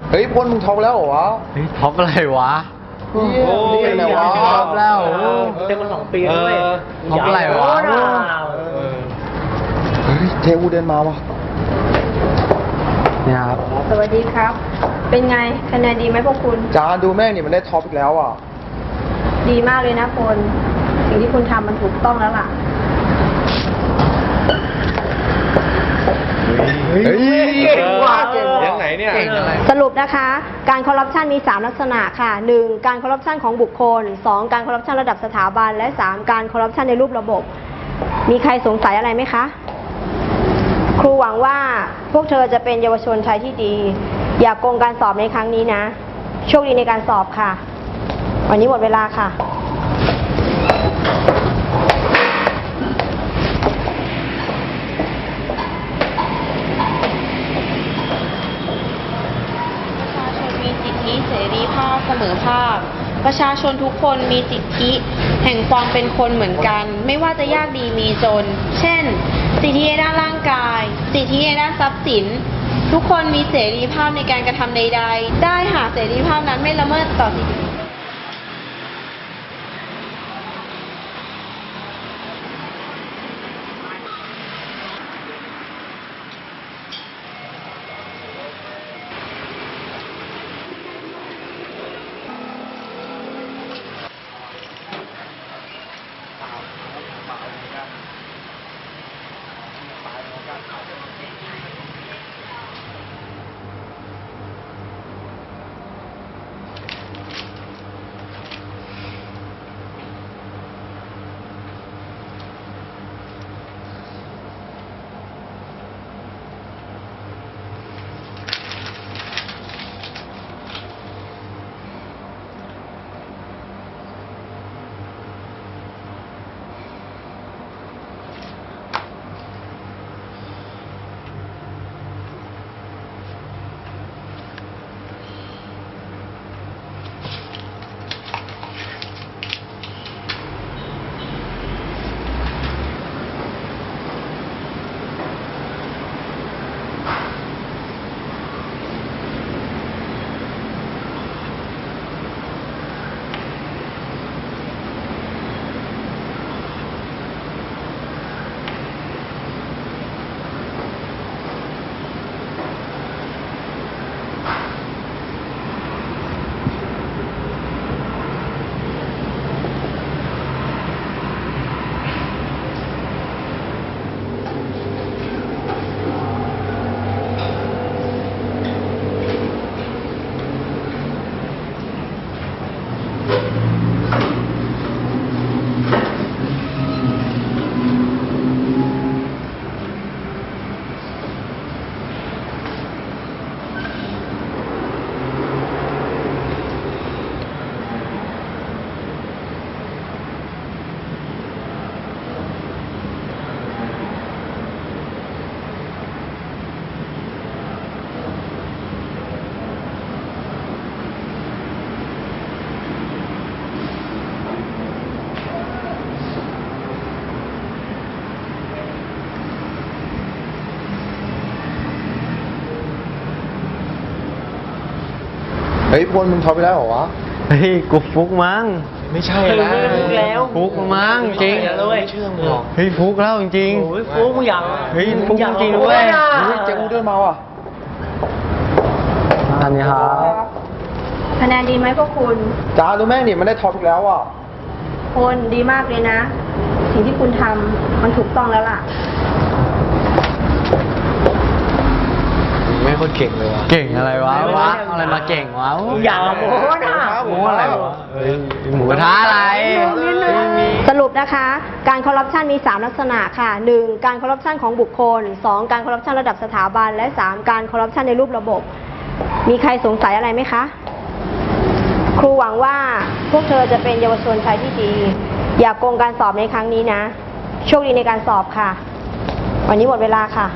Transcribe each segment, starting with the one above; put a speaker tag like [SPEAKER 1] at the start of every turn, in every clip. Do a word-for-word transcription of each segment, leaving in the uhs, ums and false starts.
[SPEAKER 1] เฮ้ยพลมึงท็อปแล้วเหรอวะ
[SPEAKER 2] เฮ้ยท็อปอะไรวะ
[SPEAKER 1] โอ้ยอะไรวะ
[SPEAKER 2] ท็อปแล้ว
[SPEAKER 3] เต็มมาสองปีแล้วเว้ย
[SPEAKER 2] ท็อปอะไรวะ
[SPEAKER 1] เฮ้ยเทวูเดินมาวะ
[SPEAKER 2] เนี่ยครับ
[SPEAKER 4] สวัสดีครับ เป็นไงคะแนนดีไหมพวกคุณ
[SPEAKER 1] จานดูแม่งนี่มันได้ท็อปอีกแล้วอ่ะ
[SPEAKER 4] ดีมากเลยนะพลสิ่งที่คุณทำมันถูกต้องแล้วล่ะ
[SPEAKER 1] เฮ้ยเก่งว่ะเก่งว่ะ
[SPEAKER 5] ยังไหนเนี่ย
[SPEAKER 2] เก่งอะไร
[SPEAKER 4] สรุปนะคะ การคอร์รัปชันมี สาม ลักษณะค่ะ หนึ่ง การคอร์รัปชันของบุคคล สอง การคอร์รัปชันระดับสถาบัน และ สาม การคอร์รัปชันในรูประบบ มีใครสงสัยอะไรไหมคะ ครูหวังว่าพวกเธอจะเป็นเยาวชนไทยที่ดี อย่ากโกงการสอบในครั้งนี้นะ โชคดีในการสอบค่ะ วันนี้หมดเวลาค่ะ
[SPEAKER 6] ประชาชนมีสิทธิเสรีภาพเสมอภาค ประชาชนทุกคนมีสิทธิแห่งความเป็นคนเหมือนกัน ไม่ว่าจะยากดีมีจน เช่น สิทธิในด้านร่างกาย สิทธิในด้านทรัพย์สิน ทุกคนมีเสรีภาพในการกระทำใดๆ ได้หากเสรีภาพนั้นไม่ละเมิดต่อสิทธิ
[SPEAKER 1] เฮ้ยพลมึงท็อปไปแล้วเหรอวะ
[SPEAKER 2] เฮ้ยกูฟุกมั้ง
[SPEAKER 5] ไม่ใช่
[SPEAKER 3] เฮ้ย
[SPEAKER 5] นะ
[SPEAKER 3] ฟุกแล้ว
[SPEAKER 2] ฟุกมั้งจริง
[SPEAKER 3] แล้วเว้ย
[SPEAKER 5] เชื่อมึงหรอก
[SPEAKER 2] เฮ้ยฟุกแล้วจริง
[SPEAKER 3] โอ้ยฟุกมึงอยาก
[SPEAKER 2] เฮ้ยฟุก
[SPEAKER 3] อยาก
[SPEAKER 2] จริงๆเว้ย
[SPEAKER 1] เฮ้ยเทวูเดินมาว่ะ
[SPEAKER 2] อันนี้ครับ
[SPEAKER 4] คะแนนดีไหมพวกคุณ
[SPEAKER 1] จานดูแม่งนี่มันได้ท็อปอีกแล้วอ่ะ
[SPEAKER 4] พลดีมากเลยนะ สิ่งที่คุณทำมันถูกต้องแล้วล่ะ
[SPEAKER 5] ไม่คนเก่งเลยวะ
[SPEAKER 2] เก่งอะไรวะวะอะไรมาเก่งวะ
[SPEAKER 3] อย่าโม้นะ
[SPEAKER 2] โม้อะไรวะเฮ้ยหมูกระทะอะไรไม่มี
[SPEAKER 4] สรุปนะคะ การคอร์รัปชันมี สาม ลักษณะค่ะ หนึ่ง การคอร์รัปชันของบุคคล สอง การคอร์รัปชันระดับสถาบัน และ สาม การคอร์รัปชันในรูประบบ มีใครสงสัยอะไรไหมคะ ครูหวังว่าพวกเธอจะเป็นเยาวชนไทยที่ดี อย่ากโกงการสอบในครั้งนี้นะ โชคดีในการสอบค่ะ วันนี้หมดเวลาค่ะ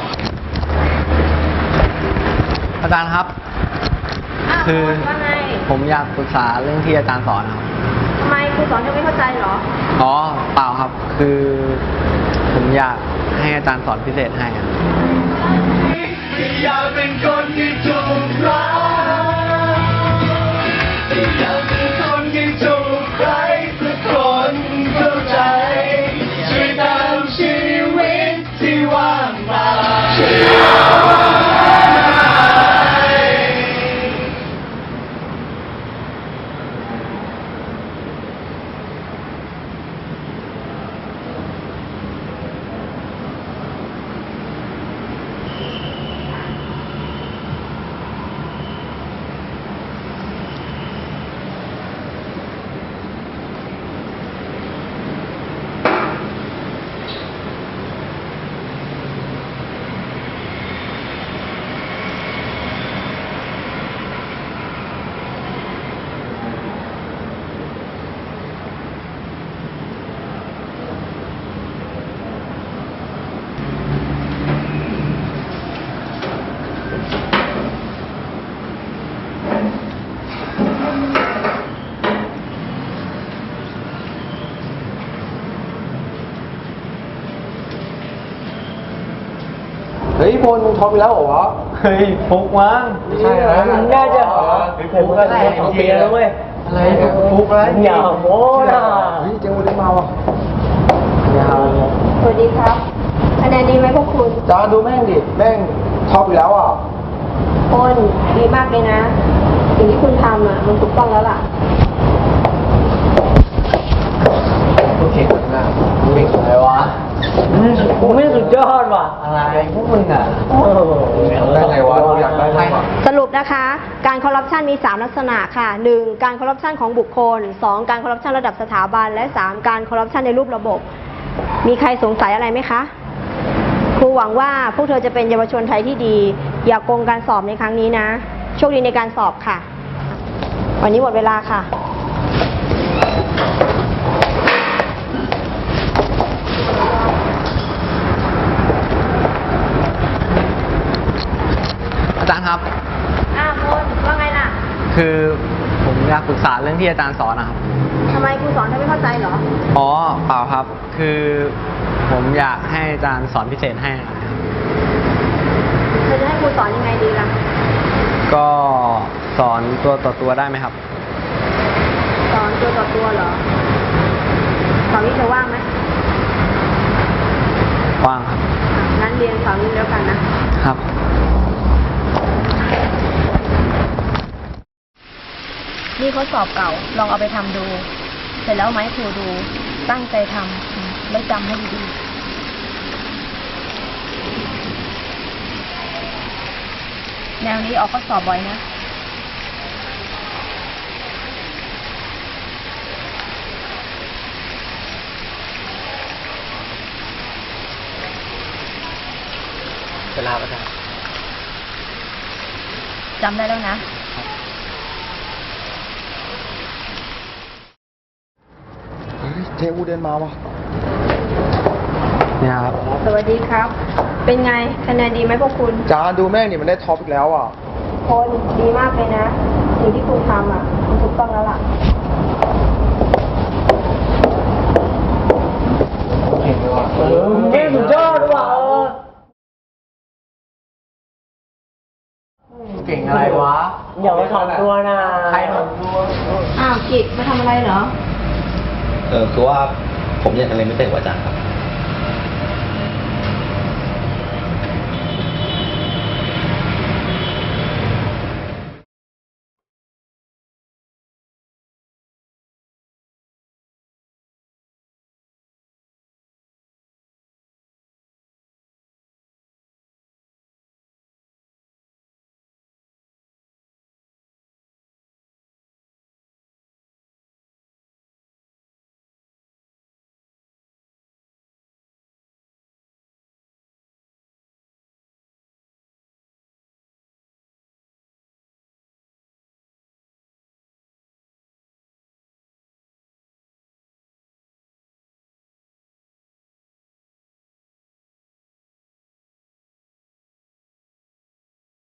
[SPEAKER 2] อาจารย์ครับ คือ
[SPEAKER 4] ว่าไง
[SPEAKER 2] ผมอยากปรึกษาเรื่องที่อาจารย์สอนนะครับ
[SPEAKER 4] ทำไมครูสอนเธอไม่เข้าใจเหรอ
[SPEAKER 2] อ๋อเปล่าครับ คือผมอยากให้อาจารย์สอนพิเศษให้อะ
[SPEAKER 5] อยากเป็นคนที่ถูกรักอยากเป็นคนที่ถูกใครสักคนเข้าใจช่วยตามชีวิตที่ว่างเปล่า
[SPEAKER 1] เฮ้ยพลมึงท็อปอีกแล้วเหรอวะ
[SPEAKER 3] เฮ้ยฟุกมั้ง
[SPEAKER 1] ไม่ใช่นะ
[SPEAKER 3] มึงน่าจะผมก็ได้สองปีแล้วเว้ย
[SPEAKER 1] อะไรเนี่ยฟุกอะไร
[SPEAKER 3] อย่าโม้นะ
[SPEAKER 1] เฮ้ยเจงอูได้มาว่ะ
[SPEAKER 3] อย่า
[SPEAKER 4] สวัสดีครับคะแนนดีไหมพวกคุณ
[SPEAKER 1] จานดูแม่งดิ แม่งท็อปอีกแล้วอ่ะ
[SPEAKER 4] พลดีมากเลยนะ สิ่งที่คุณทำอ่ะมันถูกต้องแล้วล่ะ
[SPEAKER 1] โอเคนะเก่งอะไรวะ
[SPEAKER 3] กูไม่สุดยอดว่ะ
[SPEAKER 1] อะไรพวกมึงอ่ะ
[SPEAKER 3] โอ้โห
[SPEAKER 1] ได้ไงวะอยากได้ไงวะ
[SPEAKER 4] สรุปนะคะ การคอร์รัปชันมี สาม ลักษณะค่ะ หนึ่ง การคอร์รัปชันของบุคคล สอง การคอร์รัปชันระดับสถาบัน และ สาม การคอร์รัปชันในรูประบบ มีใครสงสัยอะไรไหมคะ ครูหวังว่าพวกเธอจะเป็นเยาวชนไทยที่ดี อย่ากโกงการสอบในครั้งนี้นะ โชคดีในการสอบค่ะ วันนี้หมดเวลาค่ะ
[SPEAKER 2] อาจารย์ครับ
[SPEAKER 4] อ้าวพลว่าไงล่ะ
[SPEAKER 2] คือผมอยากปรึกษาเรื่องที่อาจารย์สอนนะครับ
[SPEAKER 4] ทำไมครูสอนเธอไม่เข้าใจเหรอ
[SPEAKER 2] อ๋อเปล่าครับ คือผมอยากให้อาจารย์สอนพิเศษให้นะครับ
[SPEAKER 4] เธอจะให้ครูสอนยังไงดีล่ะ
[SPEAKER 2] ก็สอนตัวต่อตัวได้ไหมครับ
[SPEAKER 4] สอนตัวต่อตัวเหรอเสาร์นี้เธอว่างไหม
[SPEAKER 2] ว่างครับ
[SPEAKER 4] อ่ะงั้นเรียนเสาร์นี้แล้วกันนะ
[SPEAKER 2] ครับ
[SPEAKER 4] นี่ข้อสอบเก่า ลองเอาไปทำดู เสร็จแล้วเอามาให้ครูดู ตั้งใจทำอืมแล้วจำให้ดีๆ แนวนี้ออกข้อสอบบ่อยนะ
[SPEAKER 3] เวลาประจำ
[SPEAKER 4] จำได้แล้วนะ
[SPEAKER 1] เฮ้ยเจงอูเดินมาว่ะ
[SPEAKER 2] เนี่ยครับ
[SPEAKER 4] สวัสดีครับ เป็นไง คะแนนดีไหมพวกคุณ
[SPEAKER 1] จานดูแม่งนี่มันได้ท็อปอีกแล้วอ่ะ
[SPEAKER 4] คนดีมากเลยนะ สิ่งที่คุณทำอ่ะมันถูกต้องแล้วล่ะ
[SPEAKER 1] เก่งเลยว่ะ
[SPEAKER 3] เออมึงไม่สุดยอดว่ะเออ
[SPEAKER 1] เก่งอะไรวะ
[SPEAKER 3] อย่ามาถ่อมตัวนะ
[SPEAKER 1] ใครถ่อมตัว
[SPEAKER 4] อ้าวกิจมาทำอะไรเหรอ
[SPEAKER 7] เออคือว่าผมอยากจะเรียนพิเศษกว่าอาจารย์ครับ